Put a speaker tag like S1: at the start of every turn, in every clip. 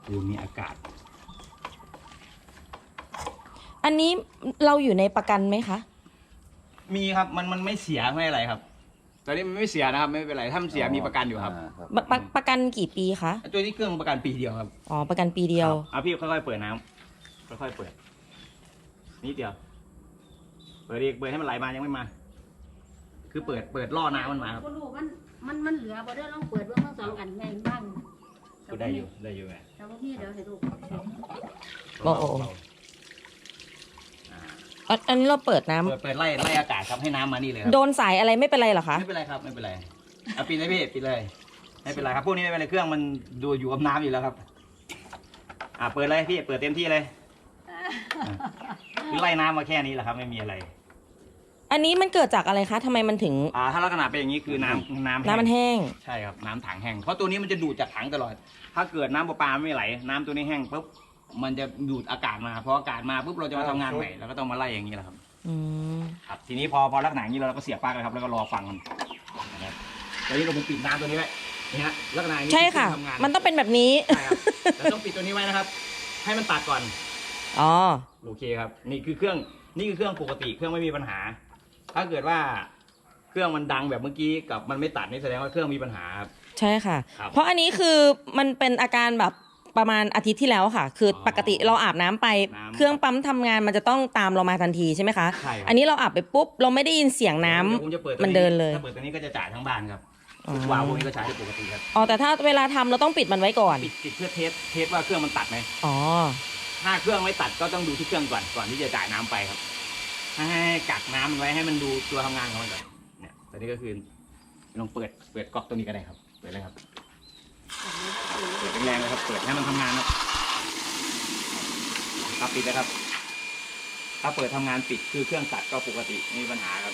S1: คือมีอากาศ
S2: อันนี้เราอยู่ในประกันไหมคะ
S1: มีครับมันไม่เสียไม่อะไรครับตอนนี้มันไม่เสียนะครับไม่เป็นไรถ้ามันเสียมีประกันอยู่ครับ
S2: ประกันกี่ปีคะ
S1: ตัวนี้เครื่องประกันปีเดียวครับ
S2: อ๋อประกันปีเดียว
S1: เอาพี่ค่อยๆเปิดน้ำค่อยๆเปิดนิดเดียวเปิดอีกเปิดให้มันไหลมายังไม่มา คือเปิดล่อน้ำมันมาครับ
S3: ก็รู้มันเหลือบ่ได้ลองเปิดเบิ่งทั้งสองอันแม่นบ้าง
S1: ก็ได้อยู่ไง
S3: แต่ว่าพี่เดี๋ยวให้ดู
S2: โอ้โห อันนี้เราเปิดน้ำ
S1: เปิดไล่อากาศครับให้น้ำมานี่เลยครับ
S2: โดนสายอะไรไม่เป็นไรเหรอคะ
S1: ไม่เป็นไรครับไม่เป็นไรเอาปิดเลยพี่ปิดเลยไม่เป็นไรครับพวกนี้ไม่เป็นไรเครื่องมันดูอยู่กับน้ำอยู่แล้วครับเปิดเลยพี่เปิดเต็มที่เลยคือไล่น้ำมาแค่นี้แหละครับไม่มีอะไร
S2: อันนี้มันเกิดจากอะไรคะทำไมมันถึง
S1: ถ้าลักษณะเป็นอย่างนี้คือน้ำ
S2: มันแห้ง
S1: ใช่ครับน้ำถังแห้งเพราะตัวนี้มันจะดูดจากถังตลอด ถ้าเกิดน้ำประปาไม่ไหลน้ำตัวนี้แห้งปุ๊บมันจะดูดอากาศมาพออากาศมาปุ๊บเราจะมาทำงานใหม่เราก็ต้องมาไล่อย่างนี้แหละครับ
S2: อืม
S1: ครับทีนี้พอลักษณะอย่างนี้เราก็เสียบปลั๊กเลยครับแล้วก็รอฟังมันนะครับตอนนี้เราปิดน้ำตัวนี้ไว้นี่ฮะลักษณะอย่างนี้
S2: ใช่ค่ะ
S1: ทำงาน
S2: มันต้องเป็นแบบนี้
S1: ใช่ครับเราต้องปิดตัวนี้ไว้นะครับ ให้มันตัดก่อน
S2: อ๋อ
S1: โอเคครับนี่คือเครื่องปกติเครื่องไม่มีปัญหา ถ้าเกิดว่าเครื่องมันดังแบบเมื่อกี้กับมันไม่ตัดนี่แสดงว่าเครื่องมีปัญหาครับ
S2: ใช่ค่ะ
S1: ครับ
S2: เพราะอันนี้คือมันเป็นอาการแบบประมาณอาทิตย์ที่แล้วค่ะ คือปกติเราอาบน้ำไป เครื่องปั๊มทำงานมันจะต้องตามเรามาทันทีใช่ไหมคะ
S1: ใช่ครับ
S2: อันนี้เราอาบไปปุ๊บเราไม่ได้ยินเสียงน้ำ
S1: เดี๋ยวผมจะเปิดตัว
S2: มันเดินเลย
S1: ถ้าเปิดตัวนี้ก็จะจ่ายทั้งบ้านครับ
S2: อ๋อ
S1: วาล์วพวกนี้ก็ใช้ได้ปกติครับ
S2: อ๋อแต่ถ้าเวลาทำเราต้องปิดมันไว้ก่อน
S1: ปิดเพื่อเทสว่าเครื่องมันตัดไหม
S2: อ๋อ
S1: ถ้าเครื่องไม่ตัดก็ต้องดูที่เครื่องก่อนที่จะจ่ายน้ำไปครับให้กักน้ำมันไว้ให้มันดูตัวทำงานของมันก่อนเนี่ยตอนนี้ก็คือลองเปิดก๊อกตัวนี้ก็ได้ครับเปิดเลยครับเปิดแรงๆเลยครับเปิดให้มันทำงานครับปิดนะครับถ้าเปิดทำงานปิดคือเครื่องตัดก็ปกติไม่มีปัญหาครับ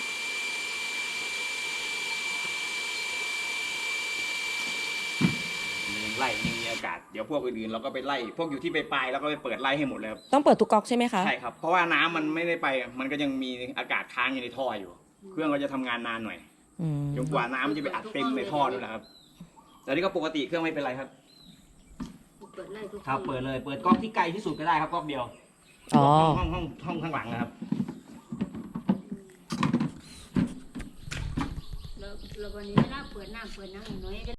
S1: มันยังไล่ยังมีอากาศเดี๋ยวพวกอื่นๆเราก็ไปไล่พวกอยู่ที่ปลายๆแล้วก็ไปเปิดไล่ให้หมดเลยครับ
S2: ต้องเปิดทุกก๊อกใช่ไหมคะ
S1: ใช่ครับ เพราะว่าน้ำมันไม่ได้ไป มันก็ยังมีอากาศค้างอยู่ในท่ออยู่ เครื่องก็จะทำงานนานหน่อย
S2: อืม
S1: จนกว่าน้ำมันจะไปอัดเต็มในท่อด้วยนะครับ แต่นี่ก็ปกติเครื่องไม่เป็นไรครับ
S3: เปิดไล่ทุก
S1: ครับ เปิดเลย เปิดก๊อกที่ไกลที่สุดก็ได้ครับก๊อกเดียว
S2: อ๋อ
S1: ห้องข้างหลังนะครับ
S3: แล้ววันนี้เวลาเปิดน้ำน้อย